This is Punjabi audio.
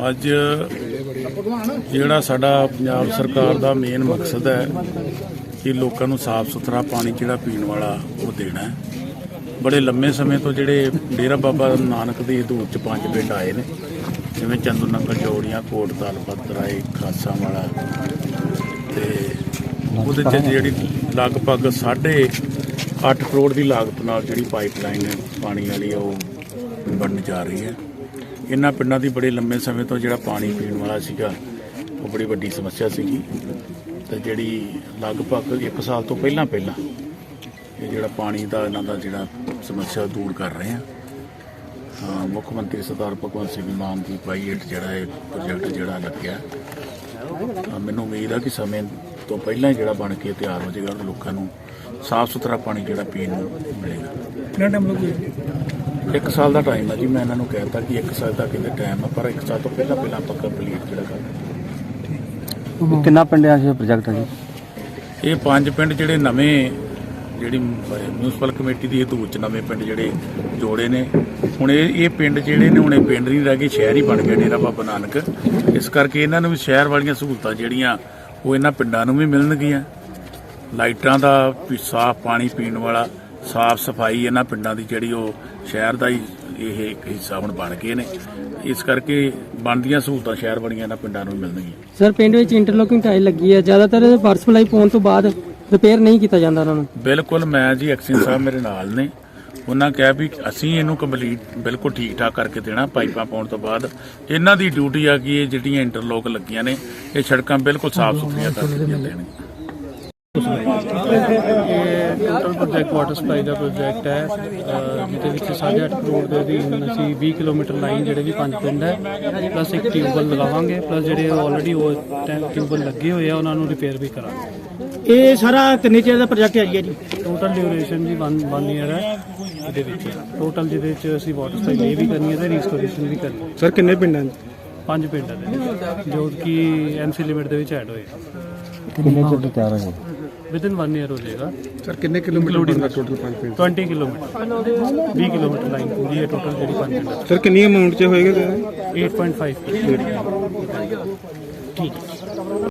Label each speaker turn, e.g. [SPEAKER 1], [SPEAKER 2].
[SPEAKER 1] ਅੱਜ ਜਿਹੜਾ ਸਾਡਾ ਪੰਜਾਬ ਸਰਕਾਰ ਦਾ ਮੇਨ ਮਕਸਦ ਹੈ ਕਿ ਲੋਕਾਂ ਨੂੰ ਸਾਫ਼ ਸੁਥਰਾ ਪਾਣੀ ਜਿਹੜਾ ਪੀਣ ਵਾਲਾ ਉਹ ਦੇਣਾ ਹੈ। ਬੜੇ ਲੰਮੇ ਸਮੇਂ ਤੋਂ ਜਿਹੜੇ ਡੇਰਾ ਬਾਬਾ ਨਾਨਕ ਦੀ ਹਦੂਦ 'ਚ 5 ਪਿੰਡ ਆਏ ਨੇ, ਜਿਵੇਂ ਚੰਦੂ ਨੰਗਲ, ਜੋੜੀਆਂ, ਕੋਟ ਦਲਪਤ ਰਾਏ, ਖਾਸਾਂ ਵਾਲਾ, ਤੇ ਉਹਦੇ 'ਚ ਜਿਹੜੀ ਲਗਭਗ 8.5 ਕਰੋੜ ਦੀ ਲਾਗਤ ਨਾਲ ਜਿਹੜੀ ਪਾਈਪਲਾਈਨ ਪਾਣੀ ਵਾਲੀ ਉਹ ਬਣਨ ਜਾ ਰਹੀ ਹੈ। ਇਹਨਾਂ ਪਿੰਡਾਂ ਦੀ ਬੜੇ ਲੰਮੇ ਸਮੇਂ ਤੋਂ ਜਿਹੜਾ ਪਾਣੀ ਪੀਣ ਵਾਲਾ ਸੀਗਾ ਉਹ ਬੜੀ ਵੱਡੀ ਸਮੱਸਿਆ ਸੀਗੀ, ਤੇ ਜਿਹੜੀ ਲਗਭਗ 1 ਸਾਲ ਤੋਂ ਪਹਿਲਾਂ ਇਹ ਜਿਹੜਾ ਪਾਣੀ ਦਾ ਇਹਨਾਂ ਦਾ ਜਿਹੜਾ ਸਮੱਸਿਆ ਦੂਰ ਕਰ ਰਹੇ ਆ। ਮੁੱਖ ਮੰਤਰੀ ਸਰਦਾਰ ਭਗਵੰਤ ਸਿੰਘ ਮਾਨ ਦੀ ਪਾਈਟ ਜਿਹੜਾ ਇਹ ਪ੍ਰੋਜੈਕਟ ਜਿਹੜਾ ਲੱਗਿਆ, ਮੈਨੂੰ ਉਮੀਦ ਆ ਕਿ ਸਮੇਂ ਤੋਂ ਪਹਿਲਾਂ ਹੀ ਜਿਹੜਾ ਬਣ ਕੇ ਤਿਆਰ ਹੋ ਜਾਏਗਾ, ਲੋਕਾਂ ਨੂੰ ਸਾਫ਼ ਸੁਥਰਾ ਪਾਣੀ ਜਿਹੜਾ ਪੀਣ ਨੂੰ ਮਿਲੇਗਾ।
[SPEAKER 2] ਕਿੰਨਾ ਟਾਈਮ ਲੱਗੂਗਾ?
[SPEAKER 1] 1 ਸਾਲ ਦਾ ਟਾਈਮ ਹੈ ਜੀ। ਮੈਂ ਇਹਨਾਂ ਨੂੰ ਕਹਿਤਾ ਕਿ 1 ਸਾਲ ਦਾ ਕਿਤੇ ਟਾਈਮ ਹੈ, ਪਰ 1 ਸਾਲ ਤੋਂ ਪਹਿਲਾਂ ਆਪਾਂ ਕੰਪਲੀਟ ਜਿਹੜਾ ਕਰਨਾ।
[SPEAKER 3] ਕਿੰਨਾ ਪਿੰਡਾਂ 'ਚ ਪ੍ਰੋਜੈਕਟ ਹੈ ਜੀ?
[SPEAKER 1] ਇਹ 5 ਪਿੰਡ ਜਿਹੜੇ ਨਵੇਂ ਜਿਹੜੀ ਮਿਊਨਿਸਪਲ ਕਮੇਟੀ ਦੀ ਹਦੂਦ 'ਚ ਨਵੇਂ ਪਿੰਡ ਜਿਹੜੇ ਜੋੜੇ ਨੇ। ਹੁਣ ਇਹ ਪਿੰਡ ਜਿਹੜੇ ਨੇ, ਹੁਣ ਇਹ ਪਿੰਡ ਨਹੀਂ ਰਹਿ ਗਏ, ਸ਼ਹਿਰ ਹੀ ਬਣ ਗਿਆ ਡੇਰਾ ਬਾਬਾ ਨਾਨਕ। ਇਸ ਕਰਕੇ ਇਹਨਾਂ ਨੂੰ ਵੀ ਸ਼ਹਿਰ ਵਾਲੀਆਂ ਸਹੂਲਤਾਂ ਜਿਹੜੀਆਂ ਉਹ ਇਹਨਾਂ ਪਿੰਡਾਂ ਨੂੰ ਵੀ ਮਿਲਣਗੀਆਂ। ਲਾਈਟਾਂ ਦਾ, ਸਾਫ਼ ਪਾਣੀ ਪੀਣ ਵਾਲਾ, ਸਾਫ਼ ਸਫਾਈ ਇਹਨਾਂ ਪਿੰਡਾਂ ਦੀ ਜਿਹੜੀ ਉਹ ਸ਼ਹਿਰ ਦਾ ਹੀ ਇਹ ਇੱਕ ਹਿੱਸਾ ਹੁਣ ਬਣ ਗਏ ਨੇ। ਇਸ ਕਰਕੇ ਬਣਦੀਆਂ ਸਹੂਲਤਾਂ ਸ਼ਹਿਰ ਵਾਲੀਆਂ ਇਹਨਾਂ ਪਿੰਡਾਂ ਨੂੰ ਮਿਲਣਗੀਆਂ।
[SPEAKER 2] ਸਰ, ਪਿੰਡ ਵਿੱਚ ਇੰਟਰਲੋਕਿੰਗ ਟਾਈਲ ਲੱਗੀ ਹੈ, ਜ਼ਿਆਦਾਤਰ ਵਾਟਰ ਸਪਲਾਈ ਪਾਉਣ ਤੋਂ ਬਾਅਦ ਰਿਪੇਅਰ ਨਹੀਂ ਕੀਤਾ ਜਾਂਦਾ ਉਹਨਾਂ ਨੂੰ।
[SPEAKER 1] ਬਿਲਕੁਲ, ਮੈਂ ਜੀ ਐਕਸ਼ਨ ਸਾਹਿਬ ਮੇਰੇ ਨਾਲ ਨੇ, ਉਹਨਾਂ ਕਿਹਾ ਵੀ ਅਸੀਂ ਇਹਨੂੰ ਕੰਪਲੀਟ ਬਿਲਕੁਲ ਠੀਕ ਠਾਕ ਕਰਕੇ ਦੇਣਾ। ਪਾਈਪਾਂ ਪਾਉਣ ਤੋਂ ਬਾਅਦ ਇਹਨਾਂ ਦੀ ਡਿਊਟੀ ਆ ਕਿ ਇਹ ਜਿਹੜੀਆਂ ਇੰਟਰਲੋਕ ਲੱਗੀਆਂ ਨੇ ਇਹ ਸੜਕਾਂ ਬਿਲਕੁਲ ਸਾਫ਼ ਸੁਥਰੀਆਂ ਕਰਕੇ ਦੇਣਗੀਆਂ।
[SPEAKER 4] ਟੋਟਲ ਪ੍ਰੋਜੈਕਟ ਵਾਟਰ ਸਪਲਾਈ ਦਾ ਪ੍ਰੋਜੈਕਟ ਹੈ, ਜਿਹਦੇ ਵਿੱਚ 8.5 ਕਰੋੜ ਦੇ ਅਧੀਨ ਅਸੀਂ 20 ਕਿਲੋਮੀਟਰ ਲਾਈਨ ਜਿਹੜੇ ਵੀ 5 ਪਿੰਡ ਹੈ ਪਲੱਸ ਇੱਕ ਟਿਊਬਵੈੱਲ ਲਗਾਵਾਂਗੇ, ਪਲੱਸ ਜਿਹੜੇ ਆਲਰੇਡੀ ਉਹ ਟਿਊਬਵੈੱਲ ਲੱਗੇ ਹੋਏ ਆ ਉਹਨਾਂ ਨੂੰ ਰਿਪੇਅਰ ਵੀ ਕਰਾਂਗੇ।
[SPEAKER 2] ਇਹ ਸਾਰਾ ਕਿੰਨੇ ਚਿਰ ਦਾ ਪ੍ਰੋਜੈਕਟ ਹੈ ਜੀ?
[SPEAKER 4] ਟੋਟਲ ਡਿਊਰੇਸ਼ਨ ਜੀ 1 ਈਅਰ ਹੈ ਇਹਦੇ ਵਿੱਚ ਟੋਟਲ, ਜਿਹਦੇ ਵਿੱਚ ਅਸੀਂ ਵਾਟਰ ਸਪਲਾਈ ਵੀ ਕਰਨੀ ਹੈ ਤੇ ਰੀਸਟੋਰੇਸ਼ਨ ਵੀ ਕਰਨੀ ਹੈ।
[SPEAKER 3] ਸਰ, ਕਿੰਨੇ ਪਿੰਡਾਂ
[SPEAKER 4] 5 ਪਿੰਡ ਹੈ ਜੋ ਕਿ ਐਮਸੀ ਲਿਮਿਟ ਦੇ ਵਿੱਚ ਐਡ ਹੋਏ।
[SPEAKER 3] ਕਿੰਨੇ ਚਿਰ ਤਿਆਰ ਹੋ ਗਏ?
[SPEAKER 4] ਵਿਦਿਨ 1 ਈਅਰ ਹੋ ਜਾਏਗਾ।
[SPEAKER 3] ਸਰ, ਕਿੰਨੇ ਕਿਲੋਮੀਟਰ ਦਾ ਟੋਟਲ 5 ਪਿੰਡ?
[SPEAKER 4] 20 ਕਿਲੋਮੀਟਰ 20 ਕਿਲੋਮੀਟਰ ਲਾਈਨ ਪੂਰੀ ਹੈ ਟੋਟਲ ਜਿਹੜੀ 5 ਪਿੰਡ।
[SPEAKER 3] ਸਰ, ਕਿੰਨੀ ਅਮਾਉਂਟ 'ਚ ਹੋਏਗਾ?
[SPEAKER 4] 8.5। ਠੀਕ।